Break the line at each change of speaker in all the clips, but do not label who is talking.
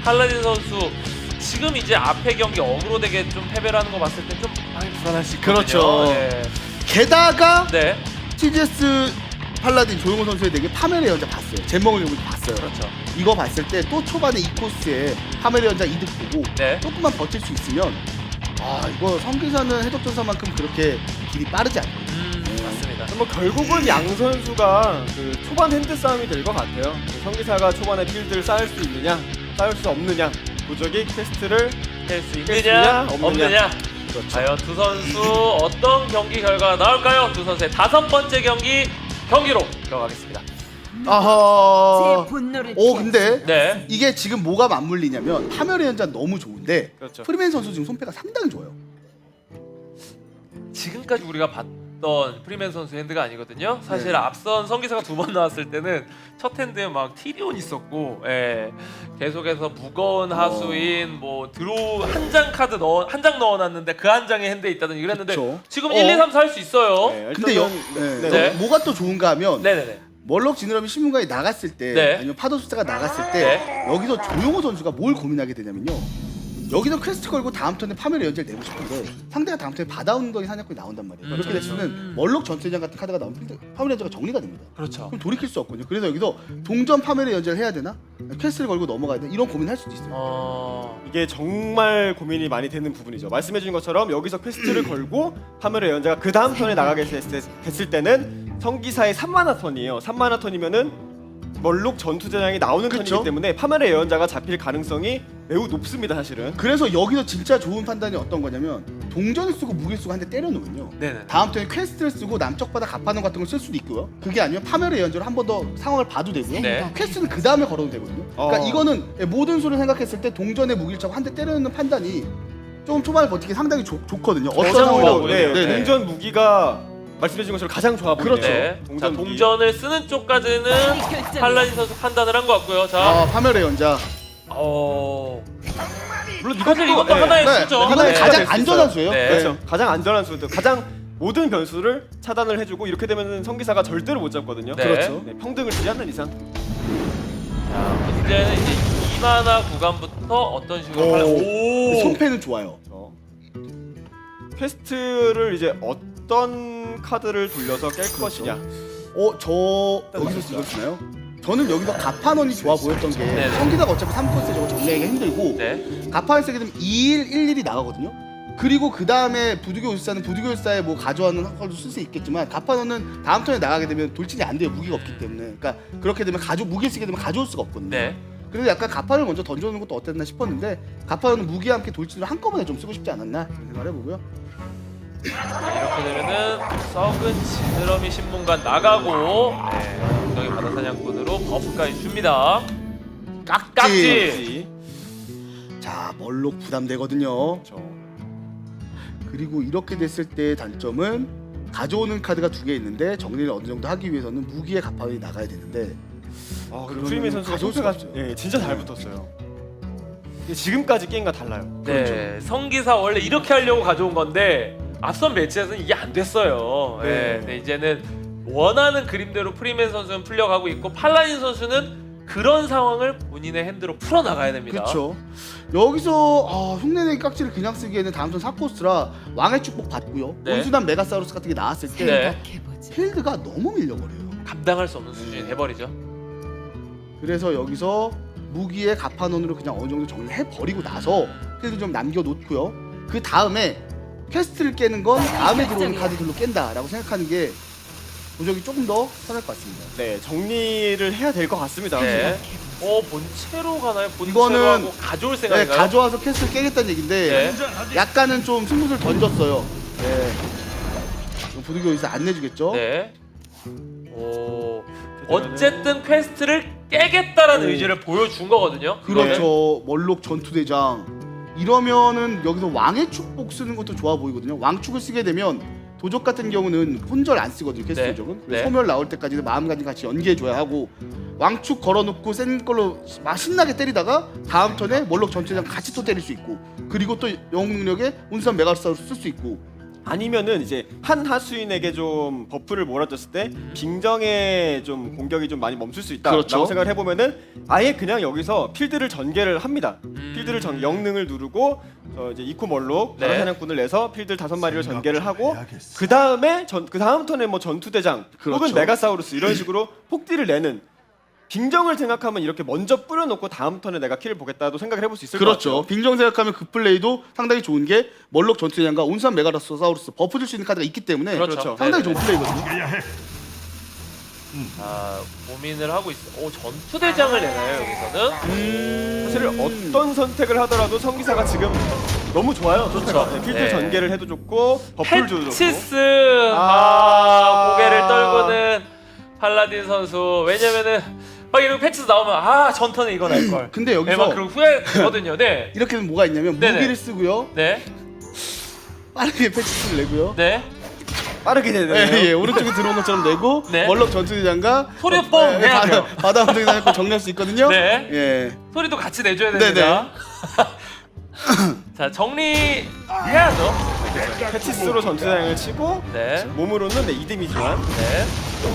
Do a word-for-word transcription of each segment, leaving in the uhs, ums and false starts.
팔라딘 선수 지금 이제 앞에 경기 어그로 되게 좀 패배를 하는 거 봤을 때 좀 많이 불안할 수 있거든요.
그렇죠.
네.
게다가
네.
티지에스 팔라딘 조용호 선수의 덱에 파멸의 연자 봤어요. 잼먹을 용도 봤어요.
그렇죠.
이거 봤을 때 또 초반에 이 코스에 파멸의 연자 이득 보고
네.
조금만 버틸 수 있으면 아 이거 성기사는 해적전사만큼 그렇게 길이 빠르지 않아요.
음, 맞습니다.
뭐 결국은 양 선수가 그 초반 핸드 싸움이 될 것 같아요. 그 성기사가 초반에 필드를 쌓을 수 있느냐, 쌓을 수 없느냐, 도적이 퀘스트를
깰 수
깰
있느냐,
수 있느냐,
없느냐.
그렇죠.
과연 두 선수 어떤 경기 결과가 나올까요? 두 선수의 다섯 번째 경기 경기로 들어가겠습니다.
아하.
제 분노를
오 근데
네.
이게 지금 뭐가 맞물리냐면 파멸의 연자 너무 좋은데
그렇죠.
프리맨 선수 지금 손패가 상당히 좋아요.
지금까지 우리가 봤던 프리맨 선수 핸드가 아니거든요. 사실
네.
앞선 성기사가 두 번 나왔을 때는 첫 핸드에 막 티리온 있었고, 예. 계속해서 무거운 하수인 뭐 드로우 한 장 카드 넣어 한 장 넣어놨는데 그 한 장에 핸드에 있다든지 이랬는데
그쵸.
지금
어.
일, 이, 삼, 사 할 수 있어요.
네,
근데 여,
일단은-
네.
네.
여기 뭐가 또 좋은가 하면
네네네.
멀록 지느러미 신문가에 나갔을 때
네.
아니면 파도숫자가 나갔을 때 여기서 조용호 선수가 뭘 고민하게 되냐면요. 여기서 퀘스트 걸고 다음 턴에 파멸의 연재를 내고 싶은데 상대가 다음 턴에 바다운동이 사냥꾼이 나온단 말이에요.
음.
그렇게 됐으면 멀록 전투장 같은 카드가 나오면 필드- 파멸의 연재가 정리가 됩니다.
그렇죠.
그럼 돌이킬 수 없거든요. 그래서 여기서 동전 파멸의 연재를 해야 되나? 퀘스트를 걸고 넘어가야 되나? 이런 고민을 할 수도 있어요.
어.
이게 정말 고민이 많이 되는 부분이죠. 말씀해주신 것처럼 여기서 퀘스트를 걸고 파멸의 연자가 그 다음 턴에 나가게 됐을, 됐을 때는 성기사의 삼 마나 턴이에요. 삼 마나 턴이면은 멀록 전투전장이 나오는
그쵸?
턴이기 때문에 파멸의 연자가 잡힐 가능성이 매우 높습니다, 사실은.
그래서 여기서 진짜 좋은 판단이 어떤 거냐면 동전을 쓰고 무기를 쓰고 한 대 때려놓으면요.
네네.
다음 턴에 퀘스트를 쓰고 남쪽 바다 갑판원 같은 걸 쓸 수도 있고요. 그게 아니면 파멸의 연주를 한 번 더 상황을 봐도 되고요.
네.
퀘스트는 그 다음에 걸어도 되거든요. 그러니까
어.
이거는 모든 수를 생각했을 때 동전의 무기를 차고 한 대 때려놓는 판단이 조금 초반에 버티기 상당히 좋, 좋거든요. 어떤
가장
상황이
좋아
나오든.
보여요.
네,
네.
동전 무기가 말씀해주신 것처럼 가장 좋아 보이네요.
그렇죠.
네. 자,
동전 무기.
동전을 쓰는 쪽까지는 팔라딘 선수 판단을 한 것 같고요. 자,
아 파멸의 연자.
어.
물론
사실 이것도
네.
하나의
네.
수죠.
이거는
하나의
가장
수가 될
안전한
수
수예요.
네.
그렇죠. 가장 안전한 수도 가장 모든 변수를 차단을 해주고 이렇게 되면 성기사가 절대로 못 잡거든요.
네.
그렇죠.
네, 평등을 주지 않는 이상.
자, 문제는 이제 이 마나 구간부터 어떤 식으로
오.
팔- 오.
손패는 좋아요.
그렇죠. 퀘스트를 이제 어떤 카드를 돌려서 깰 것이냐.
어, 저 여기서 이걸 쓰나요? 저는 여기서 가판원이 좋아 보였던 게
네네.
성기사가 어차피 삼 코스 저거 정리하기 힘들고
네.
가판을 쓰게 되면 이 일 일 일이 나가거든요. 그리고 그 다음에 부두교율사는 부두교율사에 뭐 가져와는 걸도 쓸 수 있겠지만 가판원은 다음 턴에 나가게 되면 돌진이 안 돼요. 무기가 없기 때문에. 그러니까 그렇게 되면 가져 무기를 쓰게 되면 가져올 수가 없거든요.
네.
그래서 약간 가판을 먼저 던져놓는 것도 어땠나 싶었는데 가판은 무기와 함께 돌진을 한꺼번에 좀 쓰고 싶지 않았나 이런 생각을 해보고요.
이렇게 되면은 썩은 지느러미 신문관 나가고 네. 엉덩이 바다 사냥꾼으로 버프까지 줍니다.
깍지.
깍지.
자 멀록 부담되거든요.
그렇죠.
그리고 이렇게 됐을 때 단점은 가져오는 카드가 두 개 있는데 정리를 어느 정도 하기 위해서는 무기의 가판이 나가야 되는데
아,
그러면
프리메 선수가
가져올 수가
소스가 예, 진짜 잘 붙었어요. 이게 지금까지 게임과 달라요.
네. 성기사 원래 이렇게 하려고 가져온 건데 앞선 매치에서는 이게 안 됐어요. 네.
네.
근데 이제는 원하는 그림대로 프리맨 선수는 풀려가고 있고 팔라딘 선수는 그런 상황을 본인의 핸드로 풀어 나가야 됩니다.
그렇죠. 여기서 아, 흉내내기 깍지를 그냥 쓰기에는 다음 턴 사 코스라 왕의 축복 받고요.
네.
온순한 메가사우루스 같은 게 나왔을 때
네.
필드가 너무 밀려버려요.
감당할 수 없는 수준이 돼버리죠.
그래서 여기서 무기의 가판원으로 그냥 어느 정도 정리해 버리고 나서 필드 좀 남겨놓고요. 그 다음에 퀘스트를 깨는 건 다음에 들어오는 카드들로 깬다라고 생각하는 게 도적이 조금 더 편할 것 같습니다.
네, 정리를 해야 될 것 같습니다.
네. 어 본체로 가나요? 본체로
이거는
하고 가져올
네,
생각인가요?
가져와서 퀘스트를 깨겠다는 얘긴데
네.
약간은 좀 승부를 던졌어요. 네. 부두교 의사 안 내주겠죠?
네. 오. 어쨌든 퀘스트를 깨겠다라는
오.
의지를 보여준 거거든요.
그렇죠. 멀록 전투대장. 이러면은 여기서 왕의 축복 쓰는 것도 좋아 보이거든요. 왕축을 쓰게 되면 도적 같은 경우는 혼절 안 쓰거든요. 퀘스트
네.
도적은.
네.
소멸 나올 때까지는 마음가짐 같이 연계해줘야 하고 왕축 걸어놓고 센 걸로 막 신나게 때리다가 다음 턴에 멀록 전투대장 같이 또 때릴 수 있고 그리고 또 영웅 능력에 운수한 메가사우루스 쓸 수 있고
아니면은 이제 한 하수인에게 좀 버프를 몰아줬을 때 빙정의 좀 공격이 좀 많이 멈출 수 있다라고
그렇죠.
생각을 해보면은 아예 그냥 여기서 필드를 전개를 합니다.
음.
필드를 전 영능을 누르고 어 이제 이코 멀록
네.
다른 사냥꾼을 내서 필드 다섯 마리를 전개를 하고 그 다음에 전 그 다음 턴에 뭐 전투대장
그렇죠.
혹은 메가사우루스 이런 식으로 폭딜을 내는. 빙정을 생각하면 이렇게 먼저 뿌려놓고 다음 턴에 내가 킬을 보겠다도 생각을 해볼 수 있을 것
그렇죠.
같아요.
빙정 생각하면 그 플레이도 상당히 좋은 게 멀록 전투대장과 온산 메가로사우루스 버프 줄 수 있는 카드가 있기 때문에
그렇죠.
상당히
네네.
좋은 플레이거든요.
아 고민을 하고 있어. 오 전투대장을 내나요 여기서는?
음...
사실 어떤 선택을 하더라도 성기사가 지금 너무 좋아요. 좋죠. 네, 필드
네.
전개를 해도 좋고 버프를 줘도 좋고.
패치스 아,
아.
고개를 떨구는 팔라딘 선수. 왜냐면은 막 이런 패치스 나오면 아 전턴에 이거 날 걸.
근데 여기서
네, 막 그런 후회거든요. 네.
이렇게 되면 뭐가 있냐면
네네.
무기를 쓰고요.
네.
빠르게 패치를 내고요.
네.
빠르게 되네요.
예, 예, 오른쪽에 들어온 것처럼 내고
네.
멀록 전투대장과
소리뽕
예,
해야 돼요.
바다 운동장을 정리할 수 있거든요.
네.
예.
소리도 같이 내줘야 됩니다. 자 정리해야죠.
패치스로 전투장을 치고
네.
몸으로는 네, 이 데미지만.
네.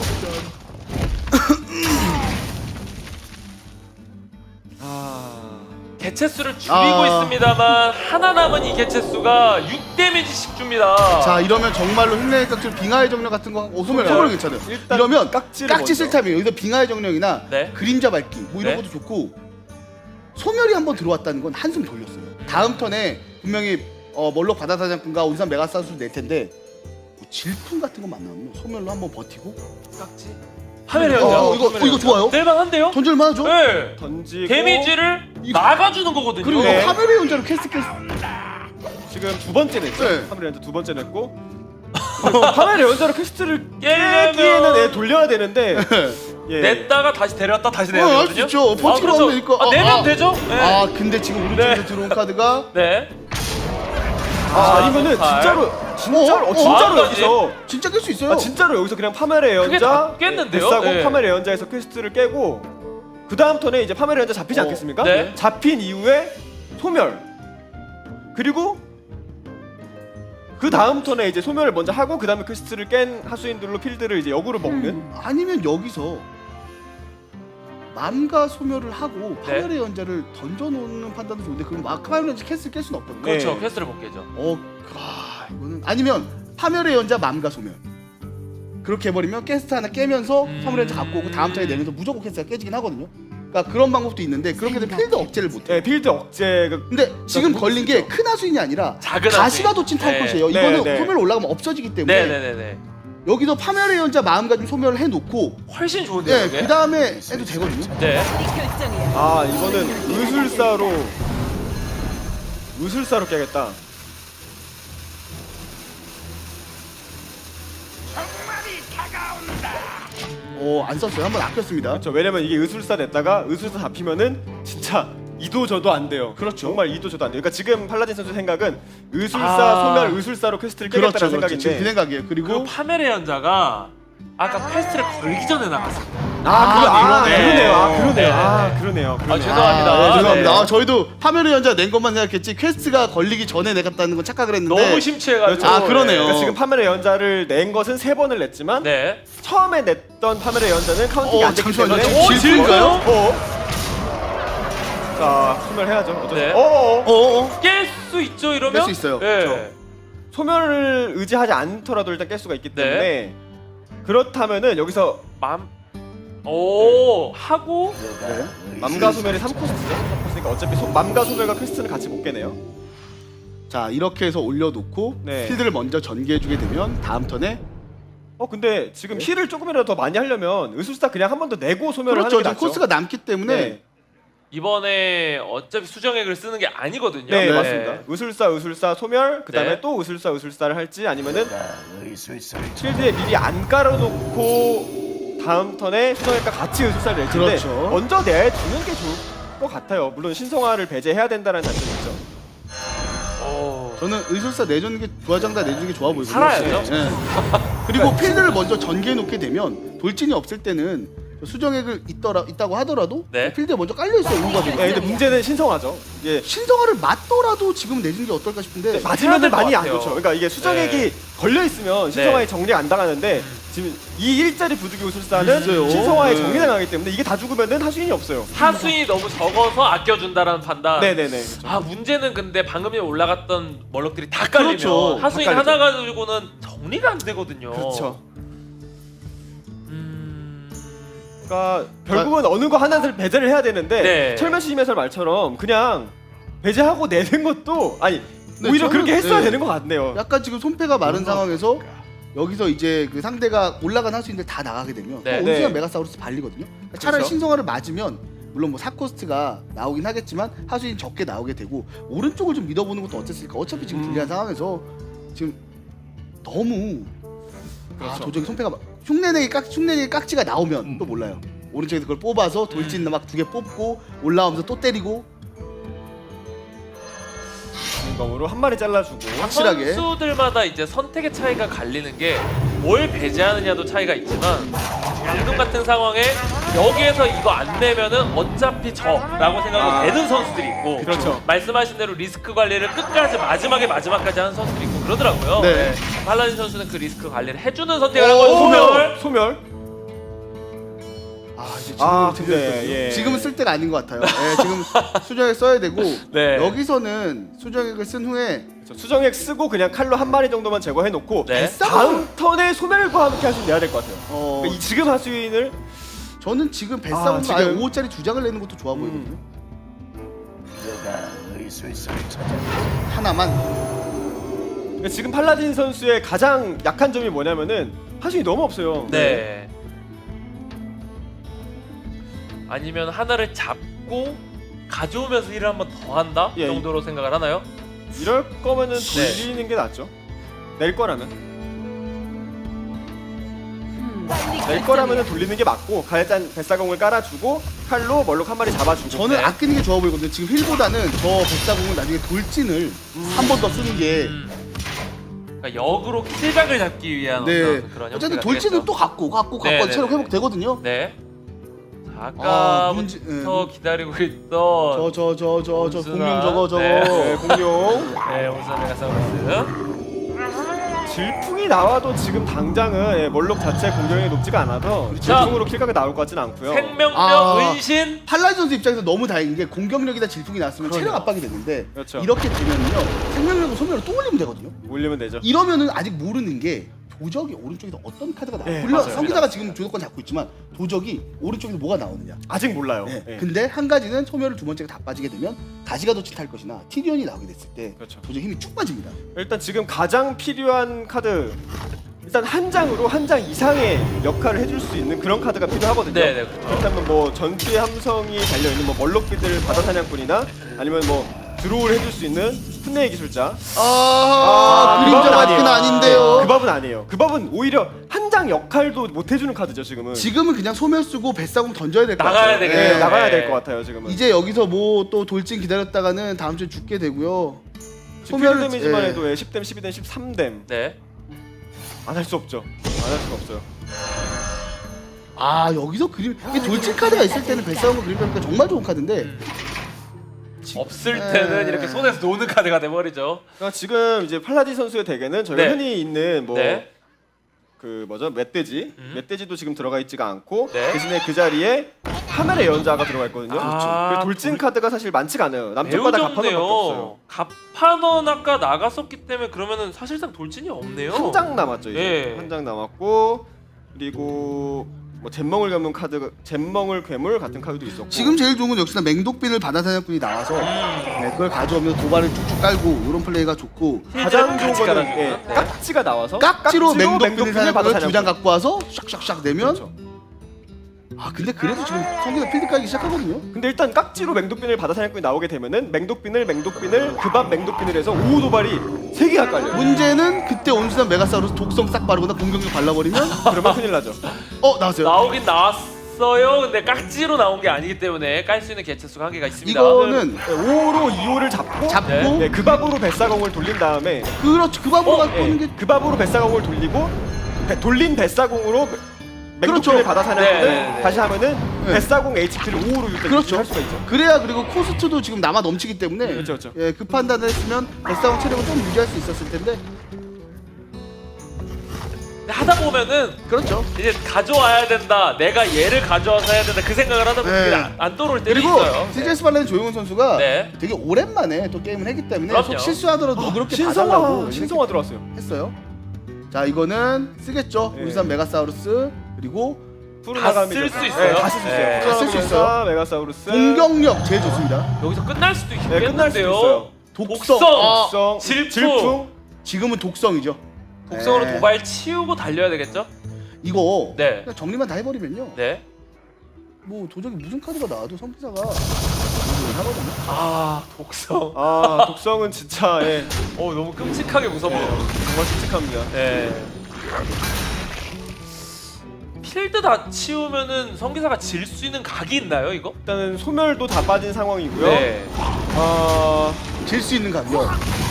아...
개체수를 줄이고
아.
있습니다만 하나 남은 이 개체수가 육 데미지씩 줍니다.
자 이러면 정말로 흉내의 깍질 빙하의 정령 같은 거 하고 소멸
소멸.
소멸 괜찮아요.
일단
이러면
깍지를
깍지
먼저.
쓸타임이에요. 여기서 빙하의 정령이나
네.
그림자 밟기 뭐 이런
네.
것도 좋고 소멸이 한번 들어왔다는 건 한숨 돌렸어요. 다음 턴에 분명히 어, 멀록 바다사냥꾼과 온산 메가사수를 낼 텐데 뭐 질풍 같은 거 만나면 소멸로 한번 버티고
깍지. 화면에 연장.
어, 이거 어, 이거 좋아요.
낼만한데요?
던질만 하죠.
네.
던지고
데미지를
이거-
나가주는 거거든요.
그리고
네.
이거 파멸의 연자로 캐스트 캐스트
지금 두 번째 냈죠.
네.
파멜 연자 두 번째 냈고 파멜 연자로 퀘스트를
깨려면-
깨기에는 애 돌려야 되는데 예.
냈다가 다시 데려왔다 다시 내야
어,
되거든요.
할수 있죠. 버티러
그렇죠.
오면 이거-
아,
아,
내면
아.
되죠? 네.
아 근데 지금 오른쪽에서
네.
들어온 카드가
네.
아, 아니면은
발.
진짜로 진짜로
어?
어, 진짜로
어?
여기서
진짜 깰 수 있어요.
아 진짜로 여기서 그냥 파멜의
그게
연자
다 깼는데요?
데싸고
네.
파멜의 연자에서 퀘스트를 깨고 그 다음 턴에 이제 파멜의 연자 잡히지
어,
않겠습니까?
네.
잡힌 이후에 소멸 그리고 그 다음 턴에 이제 소멸을 먼저 하고 그 다음에 퀘스트를 깬 하수인들로 필드를 이제 역으로 먹는
음, 아니면 여기서 맘과 소멸을 하고
네.
파멸의 연자를 던져놓는 판단도 좋은데 그럼 막 파멸의 연자 캐스를 깰 수는 없거든요.
네.
그렇죠. 퀘스트를 못 깨죠.
어, 아, 이거는 아니면 파멸의 연자 맘과 소멸 그렇게 해버리면 캐스트 하나 깨면서
음.
파멸의 연자 갖고 오고 다음 턴에 내면서 무조건 캐스트가 깨지긴 하거든요. 그러니까 그런 방법도 있는데 그렇게 되면 필드 억제를 못해.
네, 필드 억제가
근데 지금
못
걸린
쓰죠.
게 큰 하수인이 아니라
작은
가시가
하수인.
돋친 탈
네.
것이에요.
네,
이거는
네.
소멸 올라가면 없어지기 때문에
네네네네.
여기서 파멸의 연자 마음가짐 소멸을 해놓고
훨씬 좋은데요.
네,
이게?
그 다음에 해도 되거든요.
네.
아 이거는 의술사로 의술사로 깨겠다.
오, 안 썼어요. 한번 아꼈습니다.
그렇죠. 왜냐면 이게 의술사 냈다가 의술사 잡히면은 진짜 이도 저도 안 돼요.
그렇죠.
정말 이도 저도 안 돼요. 그러니까 지금 팔라딘 선수 생각은 의술사
아.
소멸 의술사로 퀘스트를
그렇죠,
깨겠다는
그렇죠. 지금 그
생각인데.
생각이에요. 그리고
그리고 파멜의 연자가 아까 패스트를 걸기 전에 나갔습니다.
아, 그러, 아
그러네.
그러네요. 아 그러네요.
네.
아 그러네요. 그러네요.
아, 죄송합니다.
아, 네, 죄송합니다.
네.
아, 저희도 파멸의 연자 낸 것만 생각했지 퀘스트가 걸리기 전에 내갔다는 건 착각을 했는데
너무 심취해가지고.
아, 그러네요.
그러니까 지금 파멜의 연자를 낸 것은 세 번을 냈지만
네.
처음에 냈던 파멜의 연자는 카운팅이
어,
안 됐기
잠시만요.
때문에
오,
질풍인가요?
질풍?
자 소멸해야죠. 어쩔 수
네.
없- 어어.
어어.
깰 수 있죠 이러면?
깰 수 있어요.
네.
그렇죠. 소멸을 의지하지 않더라도 일단 깰 수가 있기 때문에
네.
그렇다면은 여기서
맘. 오 하고
네.
맘과 소멸이 삼 코스트죠. 삼 코스니까 어차피 소, 맘과 소멸과 퀘스트는 같이 못 깨네요.
자, 이렇게 해서 올려놓고
네.
필드를 먼저 전개해주게 되면 다음 턴에
어 근데 지금
네.
힐을 조금이라도 더 많이 하려면 의술사 그냥 한 번 더 내고 소멸을
그렇죠.
하는 게
지금
낫죠.
코스가 남기 때문에
네,
이번에 어차피 수정액을 쓰는 게 아니거든요.
네,
네.
맞습니다. 의술사 의술사 소멸 그다음에
네.
또 의술사 의술사를 할지 아니면은 필드에 미리 안 깔아놓고 다음 턴에 수정액과 같이 의술사를 낼 텐데
그렇죠.
먼저 내주는 게 좋을 것 같아요. 물론 신성화를 배제해야 된다는 단점이 있죠.
오.
저는 의술사 내주는 게 부하장다 내주는 게 좋아 보이거든요.
살아야죠.
네. 그리고 필드를 먼저 전개해 놓게 되면 돌진이 없을 때는 수정액을 있더라 있다고 하더라도
네.
필드에 먼저 깔려 있어요. 우가
예, 근데 문제는 신성하죠. 이게
신성화를 맞더라도 지금 내준 게 어떨까 싶은데
맞으면
될것
많이 안
같아요.
좋죠. 그러니까 이게 수정액이
네.
걸려 있으면 신성화에
네.
정리 안 당하는데 지금 이 일자리 부득이 우술사는
있어요.
신성화에
네.
정리 당하기 때문에 이게 다 죽으면은 하수인이 없어요.
하수인이 너무 적어서 아껴준다라는 판단.
네네네. 그렇죠.
아 문제는 근데 방금 전에 올라갔던 멀럭들이 다 깔리면
그렇죠.
하수인
다 깔리죠.
하나 가지고는 정리가 안 되거든요.
그렇죠.
음...
그러니까 결국은 어느 거 하나를 배제를 해야 되는데
네.
철면시임 해설 말처럼 그냥 배제하고 내는 것도 아니
네,
오히려
저는-
그렇게 했어야
네.
되는 것 같네요.
약간 지금 손패가 마른 상황에서 여기서 이제 그 상대가 올라간 하수인들 다 나가게 되면
네.
또 온수연
네.
메가사우루스 발리거든요. 그러니까 차라리
그렇죠.
신성화를 맞으면 물론 뭐 사 코스트가 나오긴 하겠지만 하수인 적게 나오게 되고 오른쪽을 좀 믿어보는 것도 어땠을까. 어차피 지금
음.
불리한 상황에서 지금 너무 아
그렇죠.
도저히 손패가 막- 흉내내기 깍 흉내내기 깍지가 나오면 또 몰라요. 오른쪽에서 그걸 뽑아서 돌진 막 두 개 뽑고 올라오면서 또 때리고
공검으로 한 마리 잘라주고
확실하게.
선수들마다 이제 선택의 차이가 갈리는 게 뭘 배제하느냐도 차이가 있지만 방금 같은 상황에 여기에서 이거 안 내면은 어차피 저라고 생각하고
아.
되는 선수들이 있고
그렇죠.
말씀하신 대로 리스크 관리를 끝까지 마지막에 마지막까지 하는 선수들이 있고 그러더라고요.
네.
팔라딘 선수는 그 리스크 관리를 해주는 선택을 한
오,
거예요. 소멸.
소멸.
아 이제 지금
아,
은
근데, 예.
지금은 쓸 때가 아닌 것 같아요. 예, 지금 수정액 써야 되고
네.
여기서는 수정액을 쓴 후에
그렇죠. 수정액 쓰고 그냥 칼로 한 마리 정도만 제거해 놓고
네.
다음 턴에 소멸과 함께 하시면 내야 될 것 같아요.
어,
그러니까 이 지금 하수인을
저는 지금 뱃싸움으로
아,
아,
지금-
예 오 호짜리 두 장을 내는 것도 좋아 보이거든요. 하나만
그러니까 지금 팔라딘 선수의 가장 약한 점이 뭐냐면은 하수인이 너무 없어요.
네. 아니면 하나를 잡고 가져오면서 힐을 한 번 더 한다
예.
정도로 생각을 하나요?
이럴 거면은
네.
돌리는 게 낫죠. 낼 거라면 낼 거라면은 돌리는 게 맞고 가해짠 뱃사공을 깔아주고 칼로 멀록 한 마리 잡아주고.
저는
네.
아끼는 게 좋아 보이거든요. 지금 힐보다는 저 뱃싸공은 나중에 돌진을 한 번 더 쓰는 게
음. 그러니까 역으로 킬각을 잡기 위한
네.
어떤 그런
어쨌든
형태가
돌진을
되겠죠.
또 갖고 갖고
네,
갖고
네,
체력
네.
회복 되거든요.
네. 자,
아, 문제-
아까부터
네.
기다리고 있던
저 저 저 저 저
온순한,
공룡 저거 저거
네.
네, 공룡
네, 온수한 메가사우루스.
질풍이 나와도 지금 당장은 예, 멀록 자체 공격력이 높지가 않아서 질풍으로 킬각이 나올 것 같지는 않고요.
생명력
아.
은신.
팔라딘 선수 입장에서 너무 다행인 게 공격력이다 질풍이 났으면 체력
그러네요.
압박이 되는데
그렇죠.
이렇게 되면요 생명력을 소멸로 또 올리면 되거든요.
올리면 되죠.
이러면은 아직 모르는 게 도적이 오른쪽에서 어떤 카드가 나와요.
네,
물론
맞아요.
성기사가 지금 주도권 잡고 있지만 도적이 오른쪽에서 뭐가 나오느냐.
아직 몰라요.
네.
예.
근데 한 가지는 소멸을 두 번째가 다 빠지게 되면 다시 가도 칠탈 것이나 티리온이 나오게 됐을 때
그렇죠.
도적 힘이 쭉 빠집니다.
일단 지금 가장 필요한 카드 일단 한 장으로 한 장 이상의 역할을 해줄 수 있는 그런 카드가 필요하거든요.
네, 네, 그렇죠.
그렇다면 뭐 전투의 함성이 달려 있는 뭐 멀록비들 바다 사냥꾼이나 아니면 뭐 드로우를 해줄 수 있는 풋내의 기술자.
아,
그
그림자
법은
마트는 아닌데요.
그 법은 아니에요. 그 법은 오히려 한 장 역할도 못 해주는 카드죠 지금은.
지금은 그냥 소멸 쓰고 뱃사공 던져야 될 것 같아요.
나가야 되겠네요.
네,
네.
나가야 될 것 같아요 지금은.
이제 여기서 뭐 또 돌진 기다렸다가는 다음 주에 죽게 되고요.
소멸
소멸을-
데미지만
예.
해도 십 댐, 십이 댐, 십삼 댐.
네.
안 할 수 없죠. 안 할 수가 없어요.
아 여기서 그림 이게 돌진 카드가 있을 때는 뱃사공과 그림 잡기가 정말 좋은 카드인데
음. 없을 때는
네.
이렇게 손에서 노는 카드가 돼버리죠.
그러니까 지금 이제 팔라딘 선수의 덱에는 저희가
네.
흔히 있는 뭐
네.
그 뭐죠 멧돼지
음.
멧돼지도 지금 들어가 있지가 않고
네.
대신에 그 자리에 하멜의 연자가 들어가 있거든요.
아,
그 돌진
돌-
카드가 사실 많지가 않아요.
매우
남쪽마다 가파도밖에 없어요.
적네요. 갑판원 아까 나갔었기 때문에 그러면은 사실상 돌진이 없네요.
한 장 남았죠 이제.
네.
한 장 남았고 그리고 뭐 잼멍을 괴물 카드 잼멍을 괴물 같은 카드도 있었고.
지금 제일 좋은 건 역시나 맹독빈을 바다사냥꾼이 나와서
음.
네, 그걸 가져오면서 도발을 쭉쭉 깔고 이런 플레이가 좋고
가장 좋은
같이
거는
깔아주고요.
예,
네.
깍지가 나와서
깍지로 맹독빈을
맹독빈을
사냥꾼을
받아
두 장 갖고 와서 샥샥샥 내면
그렇죠.
아 근데 그래도 지금 성기사 필드 깔기 시작하거든요.
근데 일단 깍지로 맹독빈을 바다 사냥꾼이 나오게 되면은 맹독빈을 맹독빈을 그밥 맹독빈을 해서 오후 도발이 세 개가 깔려요.
문제는 그때 온순한 메가사우루스 독성 싹 바르거나 공격력 발라버리면
그러면 큰일 나죠.
어 나왔어요.
나오긴 나왔어요. 근데 깍지로 나온 게 아니기 때문에 깔 수 있는 개체 수가 한계가 있습니다.
이거는
네, 오호로 이호를 잡고
잡고
네.
네, 그 밥으로 뱃사공을 돌린 다음에
그렇죠 그 밥으로
어,
갖고
예,
오는 게
그 밥으로 뱃사공을 돌리고 배- 돌린 뱃사공으로
그렇죠.
맹독을 받아 사냥을
네, 네, 네.
다시 하면은
네.
뱃사공 에이치피를 오로
그렇죠.
할 수가 있죠.
그래야 그리고 코스트도 지금 남아 넘치기 때문에
그렇죠, 그렇죠.
예, 그 판단을 했으면 뱃싸움 체력을 좀 유지할 수 있었을 텐데
하다 보면은
그렇죠.
이제 가져와야 된다. 내가 얘를 가져와서 해야 된다. 그 생각을 하다 보면
네.
그게 안, 안 떠오를 때도
그리고
있어요.
티제이에스 발렌 조용훈 선수가
네.
되게 오랜만에 또 게임을 했기 때문에
그럼요.
속 실수하더라도 누그럽게
신성화
봐달라고
신성화 들어왔어요.
했어요. 자 이거는 쓰겠죠.
네.
울산 메가사우루스 그리고
푸르나가미
쓸수 있어요.
다 쓸 수 있어요.
네.
다 쓸 수 있어요.
메가사우루스.
공격력 제일 좋습니다.
여기서 끝날 수도
네, 끝날 수도
있겠는데요.
있어요.
독성.
독성.
아,
독성,
질풍.
질풍.
지금은 독성이죠.
독성으로
네.
도발 치우고 달려야 되겠죠?
이거
네.
그냥 정리만 다 해버리면요.
네.
뭐 도저히 무슨 카드가 나와도 성기사가 이걸 하거든요.
아 독성.
아 독성은 진짜 예,
어 너무 끔찍하게 무서워요.
정말 끔찍합니다.
네. 필드 다 치우면은 성기사가 질 수 있는 각이 있나요 이거?
일단은 소멸도 다 빠진 상황이고요.
네.
아
질 수 있는 감요.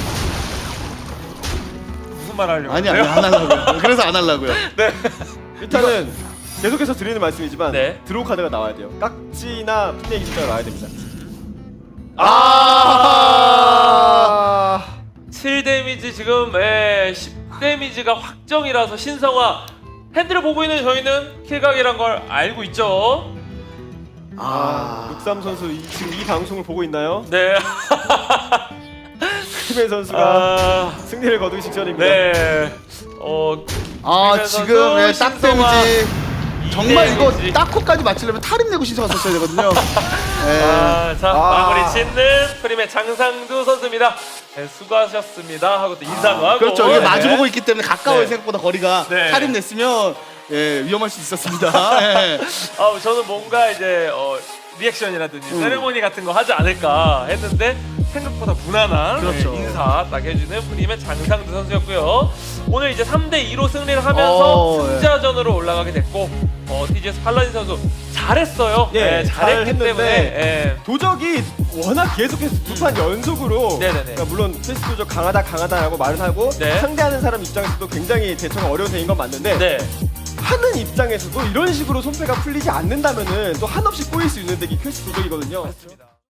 무슨 말 하려고?
아니 아니 안 하려고요. 그래서 안 하려고요.
네.
일단은 계속해서 드리는 말씀이지만
네.
드로우 카드가 나와야 돼요. 깍지나 풋내기 숫자가 나와야 됩니다.
아!
칠 데미지 지금 예, 십 데미지가 확정이라서 신성화 핸들을 보고 있는 저희는 킬각이란 걸 알고 있죠.
아, 육삼 선수 이, 지금 이 방송을 보고 있나요?
네.
크리맨 선수가
아,
승리를 거두기 직전입니다.
네. 어
아
김민현
지금 예,
선수,
딱
신성화
데미지 정말 이거
데미지.
딱코까지 맞추려면 탈임 내고 신청을 썼어야 되거든요. 예.
아, 자
아.
마무리 짓는 프림의 장상두 선수입니다. 네, 수고하셨습니다 하고 또 인사도 하고.
그렇죠. 이게
네.
마주보고 있기 때문에 가까워요.
네.
생각보다 거리가
네.
탈임 냈으면 예, 위험할 수 있었습니다. 예.
아, 저는 뭔가 이제 어, 리액션이라든지
음.
세레모니 같은 거 하지 않을까 했는데 생각보다 무난한
그렇죠.
네, 인사 딱 해주는 프림의 장상두 선수였고요. 오늘 이제 삼 대 이로 승리를 하면서
어, 예.
승자전으로 올라가게 됐고 어, 티지에스 팔라딘 선수 잘했어요.
예,
네, 잘했기
잘했는데
때문에 예.
도적이 워낙 계속해서 두 판 연속으로
네네네.
그러니까 물론 페이스 도적 강하다 강하다라고 말을 하고
네.
상대하는 사람 입장에서도 굉장히 대처가 어려운 대인 건 맞는데
네.
하는 입장에서도 이런 식으로 손패가 풀리지 않는다면은 또 한없이 꼬일 수 있는 덱이 퀘스트 도적이거든요.
맞습니다.